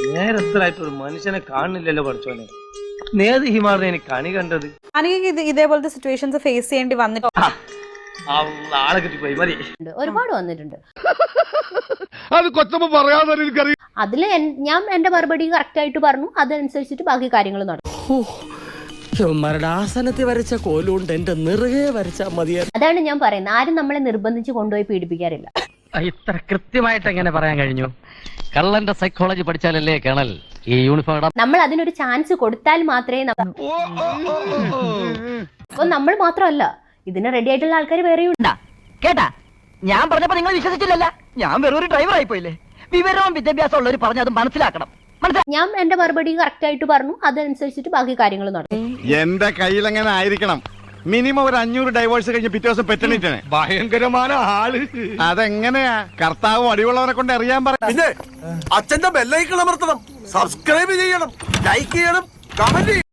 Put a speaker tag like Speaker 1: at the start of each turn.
Speaker 1: നേരത്തിലായിട്ട് ഒരു മനുഷ്യനെ കാണുന്നില്ലല്ലോ പഠിച്ചോനെ. നേത് ഹിമാറിനെ എനിക്ക് കണി കണ്ടത്.
Speaker 2: ഇതേപോലത്തെ സിറ്റുവേഷൻസ് ഫേസ് ചെയ്യേണ്ടി വന്നിട്ട്
Speaker 1: ആളെ കിട്ടിപ്പോയി മതി.
Speaker 3: ഒരുപാട് വന്നിട്ടുണ്ട്.
Speaker 4: അത് കൊച്ചമ്മ പറയാതെ എനിക്കറിയാം.
Speaker 3: അതില് ഞാൻ എന്റെ മറുപടി കറക്റ്റ് ആയിട്ട് പറഞ്ഞു, അതനുസരിച്ചിട്ട് ബാക്കി കാര്യങ്ങൾ നടക്കും.
Speaker 5: ആസനത്തിൽ വരച്ച കോലുകൊണ്ട് എന്റെ നിറകെ വരച്ചാൽ മതിയായിരുന്നു.
Speaker 3: അതാണ് ഞാൻ പറയുന്നത്, ആരും നമ്മളെ നിർബന്ധിച്ച് കൊണ്ടുപോയി പീഡിപ്പിക്കാറില്ല.
Speaker 6: ഇത്ര കൃത്യമായിട്ട് എങ്ങനെ പറയാൻ കഴിഞ്ഞു? കള്ളന്റെ സൈക്കോളജി പഠിച്ചാലല്ലേ കേണൽ ഈ യൂണിഫോം ഇടാം.
Speaker 3: നമ്മൾ അതിനൊരു ചാൻസ് കൊടുത്താൽ മാത്രമേ അപ്പൊ നമ്മൾ മാത്രമല്ല, ഇതിന് റെഡി ആയിട്ടുള്ള ആൾക്കാർ വേറെയുണ്ട്.
Speaker 7: കേട്ടാ, ഞാൻ പറഞ്ഞപ്പോ നിങ്ങൾ വിശ്വസിച്ചില്ലല്ല. ഞാൻ വെറൊരു ഡ്രൈവർ ആയിപ്പോയില്ലേ. വിവരവും വിദ്യാഭ്യാസം ഉള്ളവർ പറഞ്ഞത് മനസ്സിലാക്കണം.
Speaker 3: ഞാൻ എന്റെ മറുപടി കറക്റ്റ് ആയിട്ട് പറഞ്ഞു, അതനുസരിച്ചിട്ട് ബാക്കി കാര്യങ്ങൾ നടക്കും.
Speaker 4: എന്റെ കയ്യിൽ എങ്ങനെ ആയിരിക്കണം? മിനിമം ഒരു 500 ഡൈവേഴ്സ് കഴിഞ്ഞ് പിറ്റേ ദിവസം പെറ്റണിട്ടാണ്. ഭയങ്കരമായ ആള്. അതെങ്ങനെയാ? കർത്താവും അടിവുള്ളവനെ കൊണ്ട് അറിയാൻ പറ.
Speaker 8: പിന്നെ അച്ഛന്റെ ബെല്ലൈക്കൺ അമർത്തണം, സബ്സ്ക്രൈബ് ചെയ്യണം, ലൈക്ക് ചെയ്യണം, കമന്റ് ചെയ്യണം.